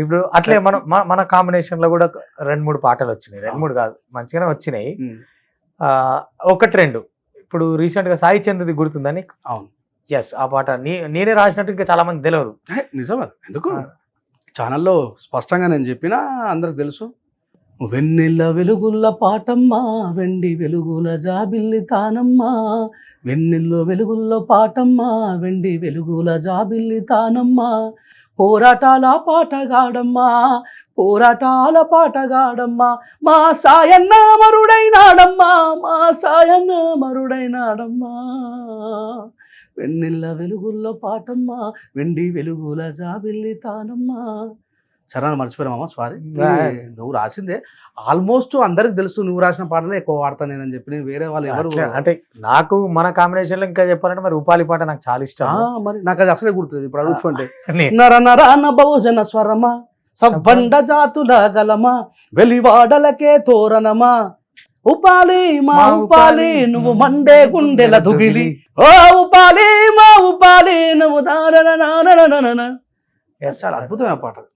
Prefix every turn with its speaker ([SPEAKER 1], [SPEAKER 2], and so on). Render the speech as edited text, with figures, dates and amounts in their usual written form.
[SPEAKER 1] ఇప్పుడు అట్లే మనం మన కాంబినేషన్ లో కూడా 2-3 పాటలు వచ్చినాయి, 2-3 కాదు మంచిగానే వచ్చినాయి. ఒకటి రెండు ఇప్పుడు రీసెంట్ గా సాయి చంద్రది గుర్తుందని.
[SPEAKER 2] అవును,
[SPEAKER 1] ఎస్, ఆ పాట నేనే రాసినట్టు ఇంకా చాలా మంది తెలియదు.
[SPEAKER 2] నిజం అది. ఎందుకు ఛానల్లో స్పష్టంగా నేను చెప్పినా అందరికి తెలుసు. వెన్నెల వెలుగుల పాటమ్మా, వెండి వెలుగుల జాబిల్లి తానమ్మా, వెన్నెల్లో వెలుగుల్లో పాటమ్మా, వెండి వెలుగుల జాబిల్లి తానమ్మా, పోరాటాల పాటగాడమ్మా, పోరాటాల పాటగాడమ్మా, మా సాయన్న మరుడైనాడమ్మా, మా సాయన్న మరుడైనాడమ్మా, వెన్నెల వెలుగుల్లో పాటమ్మా, వెండి వెలుగుల జాబిల్లి తానమ్మా. చరణాలు మర్చిపోయామమ్మా, సారీ. నువ్వు రాసిందే ఆల్మోస్ట్ అందరికి తెలుసు, నువ్వు రాసిన పాటలే ఎక్కువ వాడతాను నేనని చెప్పి. నేను వేరే వాళ్ళు ఎవరు
[SPEAKER 1] అంటే నాకు మన కాంబినేషన్ లో ఇంకా చెప్పాలంటే మరి ఉపాలి పాట నాకు చాలా ఇష్టం.
[SPEAKER 2] మరి నాకు అది అసలే గుర్తుంది ఇప్పుడు అడుగుతుంటే. నర నరాన బహుజన స్వరమా, సబ్బండ జాతుల గలమా, వెలివాడలకే తోరణమా, ఉపాలి మా ఉపాలి నువ్వు మండే గుండెల దుగిలి, ఓ ఉపాలి మా ఉపాలి నువ్వు దారన. చాలా అద్భుతమైన పాట.